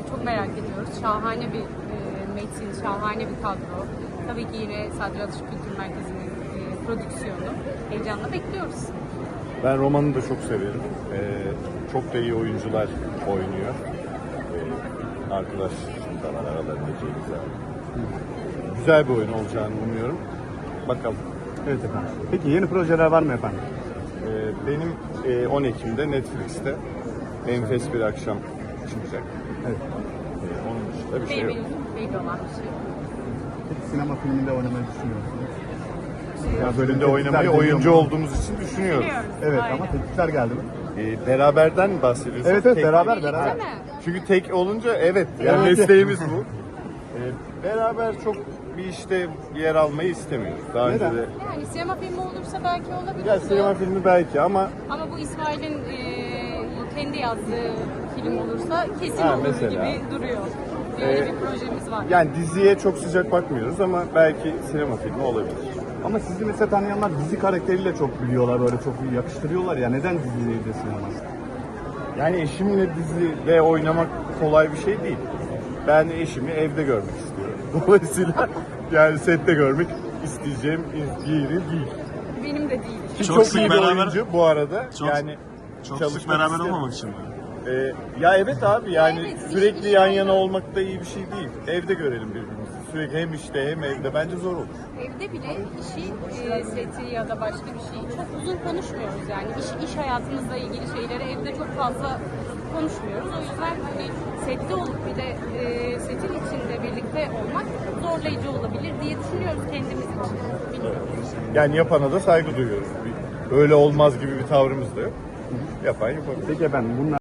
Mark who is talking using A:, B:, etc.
A: çok merak ediyoruz. Şahane bir metin, şahane bir kadro. Tabii ki yine Sadri Atış Kültür Merkezi'nin prodüksiyonu. Heyecanla bekliyoruz.
B: Ben romanı da çok severim. Çok da iyi oyuncular oynuyor. Arkadaş da var aralarında Cengiz abi. Güzel bir oyun olacağını umuyorum. Bakalım.
C: Evet efendim. Peki yeni projeler var mı efendim?
B: Benim 10 Ekim'de Netflix'te enfes bir akşam çıkacak.
C: Evet.
B: Onun dışında bir şey yok.
A: Belli olan bir şey.
C: Peki sinema filminde oynamayı düşünüyor musunuz? Ya
B: Bölümde
C: teklifler
B: oynamayı
C: geliyor
B: oyuncu
C: mu?
B: olduğumuz için düşünüyoruz.
C: Evet
A: Aynen.
C: ama teklifler geldi mi?
B: Beraberden mi bahsediyorsun?
C: Evet evet
B: Tek-
C: beraber.
A: Değil mi?
B: Çünkü tek olunca evet. Yani
C: Evet.
B: mesleğimiz bu. Beraber çok bir işte yer almayı istemiyoruz. Daha önce
C: Neden?
B: de
A: Yani sinema filmi olursa belki olabilir.
B: ya sinema filmi belki ama
A: Ama bu İsmail'in kendi yazdığı film olursa kesin
B: Ha,
A: olur
B: mesela.
A: gibi duruyor. Böyle bir projemiz var.
B: yani diziye çok sıcak bakmıyoruz ama belki sinema filmi olabilir.
C: Ama sizi mesela tanıyanlar dizi karakteriyle çok biliyorlar, böyle çok yakıştırıyorlar ya. Neden diziyi de sinema?
B: Yani eşimle dizide oynamak kolay bir şey değil. Ben eşimi evde görmek istiyorum. Dolayısıyla yani sette görmek isteyeceğim yeri değil.
A: Benim de değil.
B: Ki
D: Çok
B: çok
D: sık
B: iyi bir
D: beraber-
B: oyuncu bu arada.
D: Çok-
B: yani
D: Çok sık
B: çalışmak
D: beraber
B: isterim.
D: olmamak için mi?
B: Ya evet abi yani
A: Evet,
B: sürekli
A: iş
B: yan
A: ayrı.
B: yana olmak da iyi bir şey değil. Evde görelim birbirimizi. Sürekli hem işte hem evde bence zor olur.
A: Evde bile işi, seti ya da başka bir şeyi çok uzun konuşmuyoruz yani. İş hayatımızla ilgili şeyleri evde çok fazla konuşmuyoruz. O yüzden hani sette olup bir de setin içinde birlikte olmak zorlayıcı olabilir diye düşünüyoruz kendimiz için. Bilmiyorum.
B: Yani yapana da saygı duyuyoruz. Öyle olmaz gibi bir tavrımız da yok. Yapan yapabilir.
C: Peki efendim bunlar